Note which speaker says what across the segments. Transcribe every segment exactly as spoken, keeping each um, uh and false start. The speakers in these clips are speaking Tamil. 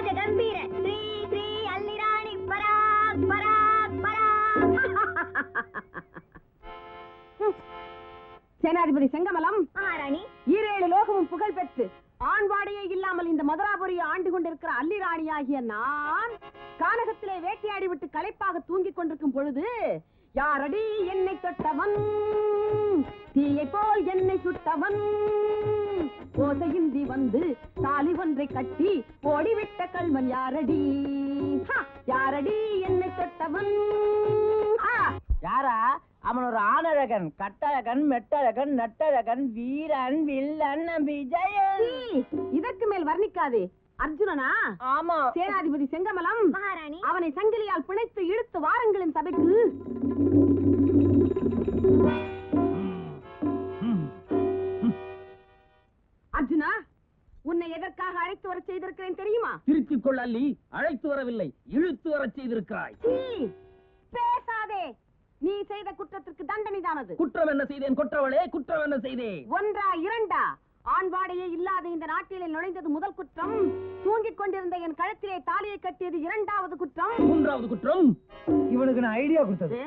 Speaker 1: ராஜ கம்பீர ஸ்ரீ ஸ்ரீ அல்லிராணி பராக் பராக் பராக்.
Speaker 2: சேனாதிபதி செங்கமலம்
Speaker 1: மகாராணி,
Speaker 2: ஈரேழு லோகமும் புகழ் பெற்று ஆண்பாடையே இல்லாமல் இந்த மதுராபுரியை ஆண்டு கொண்டிருக்கிற அல்லிராணியாகிய நான் கானகத்திலே வேட்டையாடி விட்டு களைப்பாக தூங்கிக் கொண்டிருக்கும் பொழுது யாரடி என்னை தொட்டவன், தீயை போல் என்னை சுட்டவன், ஓசையின்றி வந்து தாலி ஒன்றை கட்டி ஓடிவிட்ட கல்வன் யாரடி, யாரடி என்னை தொட்டவன்?
Speaker 3: யாரா அவன்? ஒரு ஆணழகன், கட்டழகன், மெட்டழகன், நட்டழகன், வீரன், வில்லன், விஜயன்.
Speaker 2: இதற்கு மேல் வர்ணிக்காதே. அர்ஜுனனா?
Speaker 3: ஆமா.
Speaker 2: சேனாதிபதி செங்கமலம்
Speaker 1: மகாராணி,
Speaker 2: அவனை சங்கிலியால் பிணைத்து இழுத்து வாருங்களின் சபைக்கு. அர்ஜுனா, உன்னை எதற்காக அழைத்து வர செய்திருக்கிறேன் தெரியுமா?
Speaker 4: திருத்திக் கொள் அல்லி, அழைத்து வரவில்லை, இழுத்து வர செய்திருக்கிறாய்.
Speaker 2: பேசாதே. நீ செய்த குற்றத்திற்கு தண்டனை தானது.
Speaker 4: குற்றம் என்ன செய்தேன் கொற்றவளே? குற்றம் என்ன செய்தேன்?
Speaker 2: ஒன்றா இரண்டா? ஆண்பாடையே இல்லாத இந்த நாட்டிலே நுழைந்தது முதல் குற்றம். தூங்கிக் கொண்டிருந்த என் கழுத்திலே தாலியை கட்டியது இரண்டாவது குற்றம்.
Speaker 4: மூன்றாவது குற்றம்
Speaker 3: இவனுக்கு நான் ஐடியா கொடுத்தது.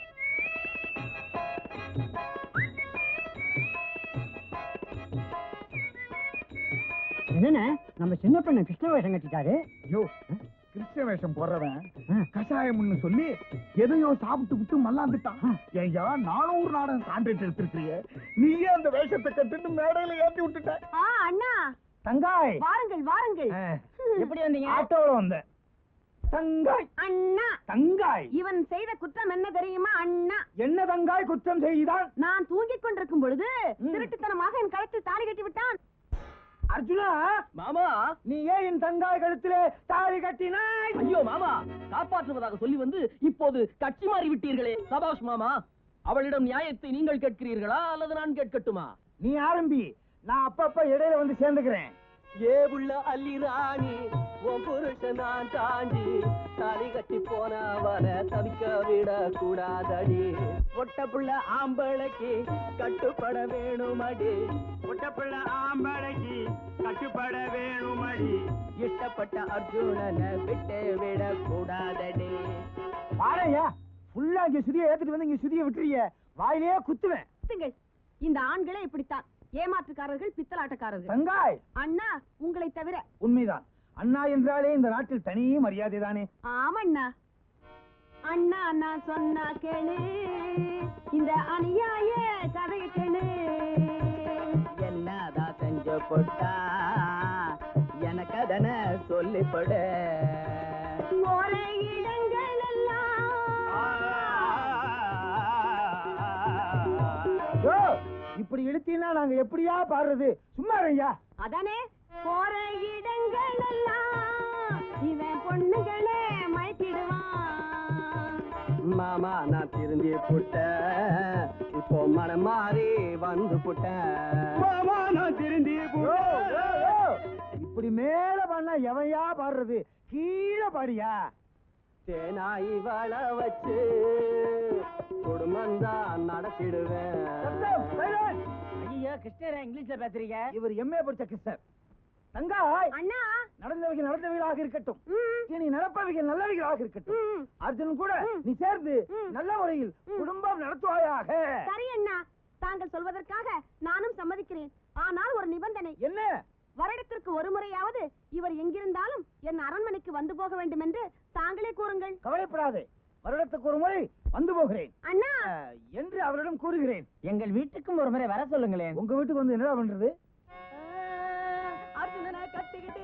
Speaker 3: என்ன நம்ம சின்ன பெண்ண கிருஷ்ண வேஷம் கட்டிட்டாரு.
Speaker 5: ஐயோ, கிருஷ்ண வேஷம் போடுறவன் கஷாயம்னு சொல்லி எதையோ சாப்பிட்டு விட்டு மல்லாந்துட்டான். ஐயா, நானூறு நாடகம் கான்ட்ராக்ட் எடுத்திருக்கிறிய, நீயே அந்த வேஷத்தை கட்டுன்னு மேடையில ஏற்றி விட்டுட்ட.
Speaker 2: அண்ணா
Speaker 5: தங்காய்,
Speaker 2: வாருங்கள் வாருங்கள்.
Speaker 3: எப்படி வந்தீங்க?
Speaker 5: ஆட்டோல வந்த. தங்காய்
Speaker 2: அண்ணா,
Speaker 5: தங்காய்,
Speaker 2: இவன் செய்த குற்றம் என்ன தெரியுமா அண்ணா?
Speaker 5: என்ன தங்காய் குற்றம் செய்தான்?
Speaker 2: நான் தூங்கிக் கொண்டிருக்கும் பொழுது திருட்டுத்தனமாக என் கழுத்தில் தாலி கட்டி விட்டான்.
Speaker 5: அர்ஜுனா
Speaker 4: மாமா,
Speaker 5: நீ ஏன் என் தங்காய் கழுத்திலே தாலி கட்டினாய்?
Speaker 4: ஐயோ மாமா, காப்பாற்றுவதாக சொல்லி வந்து இப்போது கட்சி மாறி விட்டீர்களே. சபாஷ் மாமா. அவளிடம் நியாயத்தை நீங்கள் கேட்கிறீர்களா அல்லது நான் கேட்கட்டுமா?
Speaker 5: நீ ஆரம்பி, நான் அப்பப்ப இடையில வந்து சேர்ந்துக்கிறேன்.
Speaker 6: ஏ உள்ள அல்லி ராணி, உன் புருஷன் நான் தாண்டி தாலி கட்டி போனவன தவிக்க விட கூடாதடி. ஒட்ட புள்ள ஆம்பளைக்கு கட்டுப்பட வேணுமடி, ஒட்ட புள்ள ஆம்பளைக்கு கட்டுப்பட வேணுமடி. இஷ்டப்பட்ட அர்ஜுனனை விட்டு விட கூடாதடி.
Speaker 5: பாறையா ஃபுல்லா இங்க சுதியை ஏத்துட்டு வந்து இங்க சுதியை விட்டுறிய, வாயிலேயே குத்துவேன்.
Speaker 2: இந்த ஆண்களே இப்படித்தான், ஏமாற்றுக்காரர்கள், பித்தலாட்டக்காரர்கள்.
Speaker 5: தங்காய்
Speaker 2: அண்ணா, உங்களை தவிர.
Speaker 5: உண்மைதான். அண்ணா என்றாலே இந்த நாட்டில் தனி மரியாதை தானே.
Speaker 2: ஆமண்ணா. அண்ணா நான் சொன்னா கேளு, இந்த அநியாய கதையை கேளு.
Speaker 6: என்னதான் செஞ்சு போட்டா எனக்கு அதனை சொல்லிப்படு.
Speaker 2: ஒரே இடங்கள் எல்லாம்
Speaker 5: இப்படி இழுத்தீங்கன்னா நாங்க எப்படியா பாடுறது? சும்மா ஐயா.
Speaker 2: அதானே, போற இடங்கள் எல்லாம் இவன் பொண்ணுகளே மயக்கிடுவான்.
Speaker 6: மாமா நான் திருந்தி புட்டேன், இப்போ மனம் மாறி வந்து புட்டேன். மாமா நான் திருந்தி
Speaker 5: இப்படி மேல பண்ணா எவையா பாடுறது? கீழே பாடியா.
Speaker 6: தேனாய் வள வச்சு குடும்பம் தான் நடத்திடுவேன்.
Speaker 3: ஐயா கிருஷ்ணரா இங்கிலீஷ்ல பேசுறீங்க?
Speaker 5: இவர் எம்ஏ படிச்ச கிருஷ்ணர். தங்காய்,
Speaker 2: அண்ணா,
Speaker 5: நடந்தவைகள் நடந்தவைகளாக இருக்கட்டும், இனி நடப்பவைகள் நல்லவைகளாக இருக்கட்டும். அர்ஜுன் கூட நீ சேர்ந்து நல்ல முறையில் குடும்பம் நடத்துவாயாக.
Speaker 2: சரி அண்ணா, தாங்கள் சொல்வதற்காக நானும் சம்மதிக்கிறேன். ஆனால் ஒரு நிபந்தனை.
Speaker 5: என்ன?
Speaker 2: வருடத்திற்கு ஒரு முறையாவது இவர் எங்கிருந்தாலும் என் அரண்மனைக்கு வந்து போக வேண்டும் என்று தாங்களே கூறுங்கள்.
Speaker 5: கவலைப்படாதே, வருடத்துக்கு ஒரு முறை வந்து போகிறேன்
Speaker 2: அண்ணா
Speaker 5: என்று அவரிடம் கூறுகிறேன்.
Speaker 3: எங்கள் வீட்டுக்கும் ஒரு முறை வர சொல்லுங்களேன்.
Speaker 5: உங்க வீட்டுக்கு வந்து என்ன பண்றது?
Speaker 2: அர்ஜுனனை கட்டிக்கிட்டு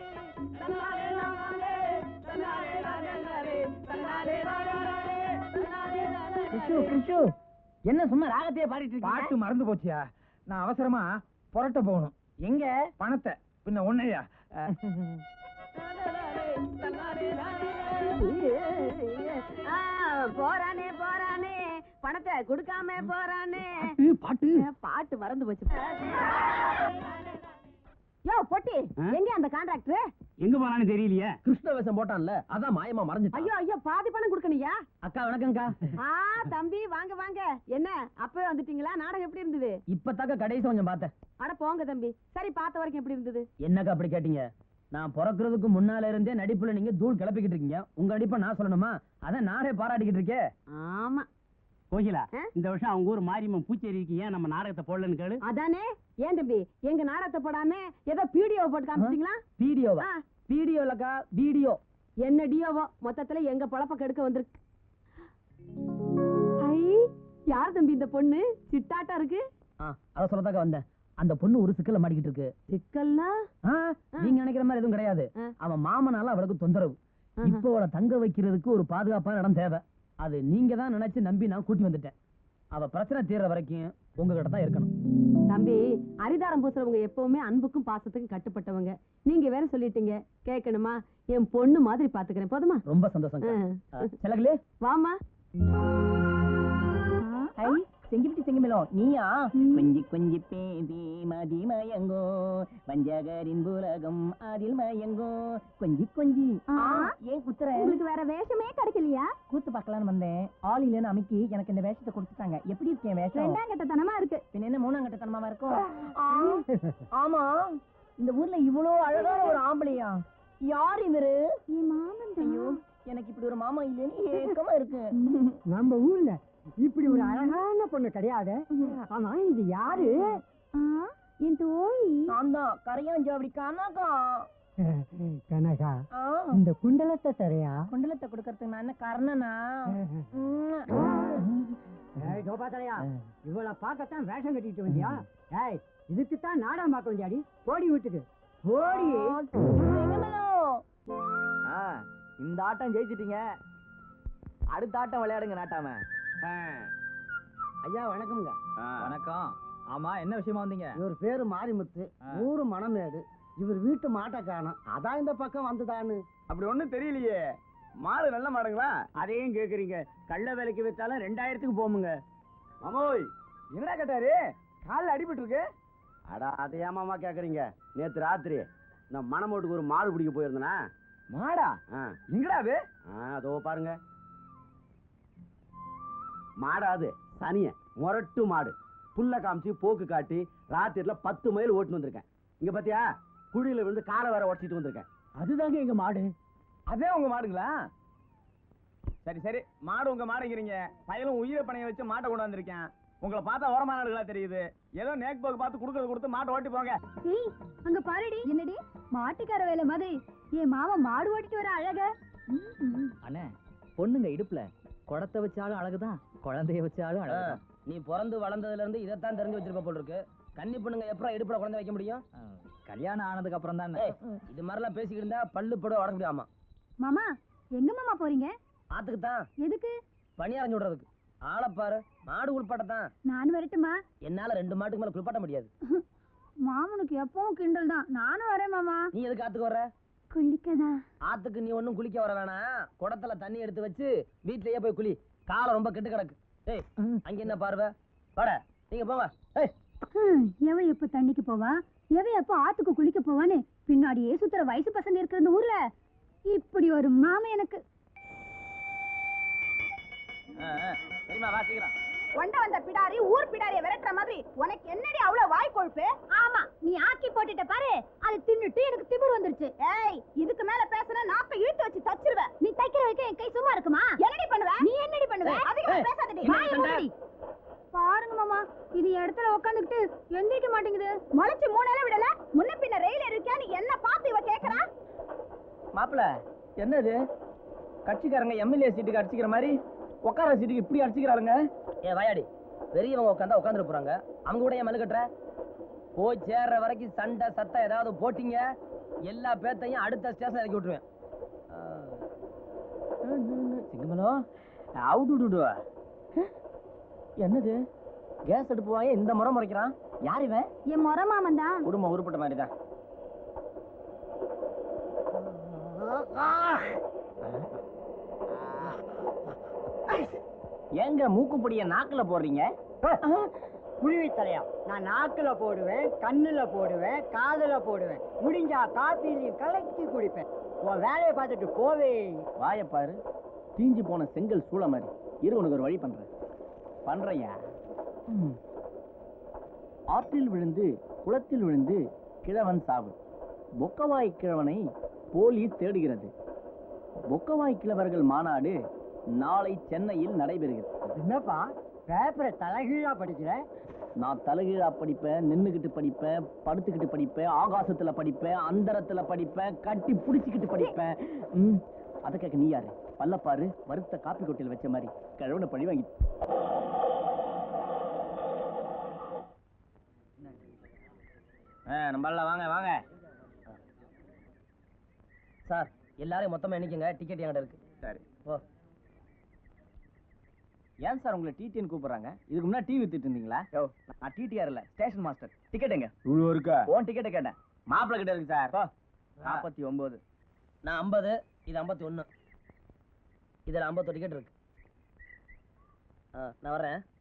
Speaker 3: என்ன சும்மா ராகத்தையே பாடிட்டு
Speaker 5: பாட்டு
Speaker 3: இருக்கீங்க?
Speaker 5: மறந்து போச்சியா? நான் அவசரமா புரட்ட போகணும்.
Speaker 3: எங்க?
Speaker 5: பணத்தை பின்ன ஒன்னையா.
Speaker 2: போறானே போறானே, பணத்தை கொடுக்காம போறானே.
Speaker 5: பாட்டு
Speaker 2: பாட்டு மறந்து போச்சு. யோ பொட்டி, எங்க அந்த கான்ட்ராக்டர்?
Speaker 4: எங்க போனான்னு தெரியலையே. கிருஷ்ண வேஷம் போட்டான்ல, அதான் மாயமா மறைஞ்சிட்டான்.
Speaker 2: ஐயோ ஐயோ, பாதி பணம் கொடுக்கணியா?
Speaker 4: அக்கா வணக்கம்க்கா.
Speaker 2: ஆ தம்பி, வாங்க வாங்க. என்ன அப்பவே வந்துட்டீங்களா? நாடகம் எப்படி இருந்தது?
Speaker 4: இப்ப தாக்க கடைசி கொஞ்சம் பார்த்தேன்.
Speaker 2: அட போங்க தம்பி. சரி, பார்த்த வரைக்கும் எப்படி இருந்தது?
Speaker 4: என்னக்கா அப்படி கேட்டீங்க?
Speaker 3: நான் பிறக்கிறதுக்கு முன்னால இருந்தே நடிப்புல நீங்க தூள் கிளப்பிக்கிட்டு இருக்கீங்க. உங்க நடிப்பை நான் சொல்லணுமா? அதான் நானே பாராட்டிக்கிட்டு இருக்கேன்.
Speaker 2: ஆமா
Speaker 7: கோகிலா, இந்த வருஷம் அவங்க ஊர் மாரியம்மன் பூச்சேரிக்கு ஏன் நம்ம நாடகத்தை போடலன்னு கேளு.
Speaker 2: அதானே. ஏன் தம்பி எங்க நாடகத்தை போடாம ஏதோ பீடியோ போட்டு காமிச்சிட்டீங்களா?
Speaker 3: வீடியோவா? வீடியோ இல்லக்கா, வீடியோ.
Speaker 2: என்ன டியோவோ மொத்தத்துல எங்க பொழப்ப கெடுக்க வந்திருக்கு. ஐ, யார் தம்பி இந்த பொண்ணு? சிட்டாட்டா இருக்கு.
Speaker 3: அத சொல்லதாக்க வந்தேன். அந்த பொண்ணு ஒரு சிக்கல்ல மாட்டிக்கிட்டு இருக்கு.
Speaker 2: சிக்கல்னா?
Speaker 3: நீங்க நினைக்கிற மாதிரி எதுவும் கிடையாது. அவன் மாமனால அவளுக்கு தொந்தரவு. இப்போ அவளை தங்க வைக்கிறதுக்கு ஒரு பாதுகாப்பான இடம் தேவை. அது நீங்க தான் நினைச்சு நம்பி நான் கூட்டி வந்துட்டேன். அவ பிரச்சனை தீர்ற வரைக்கும் உங்ககிட்ட தான் இருக்கணும்.
Speaker 2: தம்பி, அரிதாரம் பூசுறவங்க எப்பவுமே அன்புக்கும் பாசத்துக்கும் கட்டுப்பட்டவங்க. நீங்க வேற சொல்லிட்டீங்க, கேட்கணுமா? என் பொண்ணு மாதிரி பாத்துக்கிறேன், போதுமா?
Speaker 3: ரொம்ப சந்தோஷம். செலகுலே
Speaker 2: வாமா.
Speaker 3: செங்கிட்டு செங்கமேலும் நீயா? கொஞ்சி கொஞ்சி பேபி மதி மயங்கோ, வஞ்சகரின் புலகம் அதில் மயங்கோ, கொஞ்சி கொஞ்சி. ஏன் குத்துற?
Speaker 1: உங்களுக்கு வேற வேஷமே கிடைக்கலையா?
Speaker 3: கூத்து பார்க்கலான்னு வந்தேன். ஆள் இல்லைன்னு அமைக்கி எனக்கு இந்த வேஷத்தை கொடுத்துட்டாங்க. எப்படி இருக்கேன் வேஷம்?
Speaker 1: ரெண்டாம் கட்டத்தனமா இருக்கு.
Speaker 3: பின்ன என்ன மூணாம் கட்டத்தனமா இருக்கும்? ஆமா, இந்த ஊர்ல இவ்வளவு அழகான ஒரு ஆம்பளையா? யார் இவரு?
Speaker 1: என் மாமன் தான்.
Speaker 3: ஐயோ, எனக்கு இப்படி ஒரு மாமா இல்லைன்னு ஏக்கமா இருக்கு.
Speaker 7: நம்ம ஊர்ல இப்படி ஒரு அழகான பொண்ணு கிடையாது. ஆனா இது யாரு?
Speaker 1: என் தோழி.
Speaker 3: நான் தான் கரையாஞ்சாவடி கனகா.
Speaker 7: கனகா, இந்த குண்டலத்தை தரையா?
Speaker 3: குண்டலத்தை கொடுக்கறதுக்கு நான் என்ன கர்ணனா?
Speaker 7: கோபாத்தரையா, இவளை பார்க்கத்தான் வேஷம் கட்டிட்டு வந்தியா? ஏய், இதுக்குத்தான் நாடகம் பார்க்க வந்தியாடி? போடி வீட்டுக்கு போடி.
Speaker 6: இந்த ஆட்டம் ஜெயிச்சிட்டீங்க. அடுத்த ஆட்டம் விளையாடுங்க நாட்டாம.
Speaker 7: ஐயா வணக்கம்ங்க.
Speaker 6: வணக்கம். ஆமா, என்ன விஷயமா வந்தீங்க?
Speaker 7: இவர் பேரு மாரிமுத்து, ஊரு மணமேடு. இவர் வீட்டு மாட்டை காணும், அதான் இந்த பக்கம் வந்துதான்னு.
Speaker 6: அப்படி ஒண்ணும் தெரியலையே. மாடு நல்ல மாடுங்களா?
Speaker 7: அதையும் கேக்குறீங்க. கள்ள வேலைக்கு வச்சாலும் ரெண்டாயிரத்துக்கு போமுங்க.
Speaker 6: மாமோய், என்னடா கேட்டாரு? காலில் அடிபட்டு இருக்கு. அடா, அதை ஏமாமா கேக்குறீங்க? நேத்து ராத்திரி நான் மணமோட்டுக்கு ஒரு மாடு பிடிக்க போயிருந்தேனா. மாடா? எங்கடா அது? அதோ பாருங்க. மாடாது சனிய முரட்டு மாடு. புல்ல காமிச்சு போக்கு காட்டி ராத்திரில பத்து மைல் ஓட்டுன்னு வந்திருக்கேன். இங்க பாத்தியா, குழியில விழுந்து காலை வேற உடச்சிட்டு வந்திருக்கேன்.
Speaker 7: அதுதாங்க எங்க மாடு.
Speaker 6: அதே உங்க மாடுங்களா? சரி சரி, மாடு உங்க மாடுங்கிறீங்க. பயலும் உயிரை பணைய வச்சு மாட்டை கொண்டு வந்திருக்கேன். உங்களை பார்த்தா ஓரமான ஆளுகளா தெரியுது. ஏதோ நேக் போக்கு பார்த்து கொடுக்கறது கொடுத்து மாட்டை ஓட்டி போங்க.
Speaker 1: ஏய், அங்க பாருடி. என்னடி மாட்டுக்கார வேலை மாதிரி என் மாமா மாடு ஓட்டிட்டு வர அழக.
Speaker 3: அண்ணே, பொண்ணுங்க இடுப்புல குடத்தை வச்சாலும் அழகுதான், குழந்தைய வச்சாலும் அழகுதான். நீ பிறந்து வளர்ந்ததுல இருந்து இதைத்தான் தெரிஞ்சு வச்சிருப்ப போல இருக்கு. கன்னி பொண்ணுங்க எப்பறம் இடுப்புல குழந்தை வைக்க முடியும்? கல்யாணம் ஆனதுக்கு அப்புறம் தான். இது மாதிரிலாம் பேசிக்கிட்டு இருந்தா பல்லு பட உடக்க முடியாமா?
Speaker 1: மாமா, எங்க மாமா போறீங்க?
Speaker 3: ஆத்துக்கு தான்.
Speaker 1: எதுக்கு?
Speaker 3: பனி அரைஞ்சு விடுறதுக்கு. ஆளப்பாரு, மாடு குளிப்பாட்டத்தான்.
Speaker 1: நான் வரட்டுமா?
Speaker 3: என்னால ரெண்டு மாட்டுக்கு மேல குளிப்பாட்ட முடியாது.
Speaker 1: மாமனுக்கு எப்பவும் கிண்டல் தான். நானும் வரேன் மாமா.
Speaker 3: நீ எதுக்கு ஆத்துக்கு வர?
Speaker 1: குளிக்கதா?
Speaker 3: ஆத்துக்கு நீ ஒண்ணும் குளிக்க வர வேணாம். குடத்துல தண்ணி எடுத்து வச்சு வீட்லயே போய் குளி. காலம் ரொம்ப கெட்டு கிடக்கு. ஏய், அங்க என்ன பார்வை? வாட, நீங்க போங்க. ஏய்,
Speaker 1: எவ எப்ப தண்ணிக்கு போவா, எவ எப்ப ஆத்துக்கு குளிக்க போவான்னு பின்னாடியே சுத்துற வயசு பசங்க இருக்கிற இந்த ஊர்ல இப்படி ஒரு மாமா எனக்கு.
Speaker 3: சரிமா, வா சீக்கிரம்.
Speaker 2: கொண்ட வந்த பிடாரி ஊர் பிடாரிய விரட்டுற மாதிரி உனக்கு என்னடி அவ்வளவு வாய் கொழுப்பு?
Speaker 1: ஆமா, நீ ஆக்கி போட்டுட்ட பாரு, அது தின்னுட்டு எனக்கு திமிர் வந்துருச்சு.
Speaker 2: ஏய், இதுக்கு மேல பேசுன நாக்க இழுத்து வச்சு தச்சிருவ.
Speaker 1: நீ தைக்கிற வரைக்கும் என் கை சும்மா இருக்குமா?
Speaker 2: என்னடி பண்ணுவ?
Speaker 1: நீ என்னடி பண்ணுவ?
Speaker 2: அதிகமா பேசாதடி.
Speaker 1: வாயை மூடுடி. பாருங்க மாமா, இது இடத்துல உட்காந்துக்கிட்டு எந்திரிக்க மாட்டேங்குது.
Speaker 2: முளைச்சு மூணால விடல, முன்ன பின்ன ரயில் இருக்கா? நீ என்ன பார்த்து இவ கேக்குறா?
Speaker 3: மாப்பிள, என்னது கட்சிக்காரங்க எம்எல்ஏ சீட்டுக்கு அடிச்சுக்கிற மாதிரி உட்கார சீட்டுக்கு இப்படி அடிச்சுக்கிறாளுங்க? ஏ வாயாடி, பெரியவங்க உட்காந்தா உட்காந்துட்டு போறாங்க, அவங்க கூட ஏன் மல்லு கட்டுற? போய் சேர்ற வரைக்கும் சண்டை சத்தம் ஏதாவது போட்டீங்க, எல்லா பேத்தையும் அடுத்த ஸ்டேஷன் இறக்கி விட்டுருவேன். சிங்கமலோ, அவுட்டு. என்னது கேஸ் அடுப்பு வாங்க இந்த முறை முறைக்கிறான்? யார் இவன்?
Speaker 1: என் முறை மாமன் தான்.
Speaker 3: குடும்பம் உருப்பட்ட மாதிரி தான். ஏங்க மூக்குப்பொடிய நாக்குல போடுறீங்க?
Speaker 7: குருவி தலையா, நான் நாக்குல போடுவேன், கண்ணுல போடுவேன், காதுல போடுவேன். முடிஞ்சா காப்பிலையும் கலக்கி குடிப்பேன். உன் வேலையை பார்த்துட்டு போவே.
Speaker 3: வாயப்பாரு, தீஞ்சு போன செங்கல் சூளை மாதிரி. இரு, உனக்கு ஒரு வழி பண்றேன். பண்றையா? ஆற்றில் விழுந்து குளத்தில் விழுந்து கிழவன் சாவு. பொக்கவாய் கிழவனை போலீஸ் தேடுகிறது. பொக்கவாய் கிழவர்கள் மாநாடு நாளை சென்னையில் நடைபெறுகிறது.
Speaker 7: என்னப்பா பேப்பரை தலைகீழா படிக்கிற?
Speaker 3: நான் தலைகீழா படிப்பேன், நின்னுகிட்டு படிப்பேன், படுத்துக்கிட்டு படிப்பேன், ஆகாசத்துல படிப்பேன், அந்தரத்துல படிப்பேன், கட்டி புடிச்சுக்கிட்டு படிப்பேன். ம், அத கேட்க நீ யாரு? பல்லப்பாரு வறுத்த காப்பி கொட்டையில் வச்ச மாதிரி கிழவனை பழி வாங்கி. நம்மள வாங்க வாங்க சார், எல்லாரையும் மொத்தமா எண்ணிக்கங்க. டிக்கெட் என்கிட்ட இருக்கு. சரி ஓ. ஏன் சார் உங்களை டிடின்னு கூப்பிடுறாங்க? இதுக்கு முன்னாடி டிவி வித்துட்டு இருந்தீங்களா? யோ, நான் டிடிஆர் இல்ல, ஸ்டேஷன் மாஸ்டர். டிக்கெட் எங்க?
Speaker 6: இவ்வளவு இருக்கா?
Speaker 3: ஓன் டிக்கெட்டை கேட்டேன். மாப்பிள்ளை கிட்ட இருக்கு சார். நாற்பத்தி ஒன்பது. நான் ஐம்பது, இது ஐம்பத்தி ஒன்னு. இதுல ஐம்பத்தொரு டிக்கெட் இருக்கு. நான் வர்றேன்.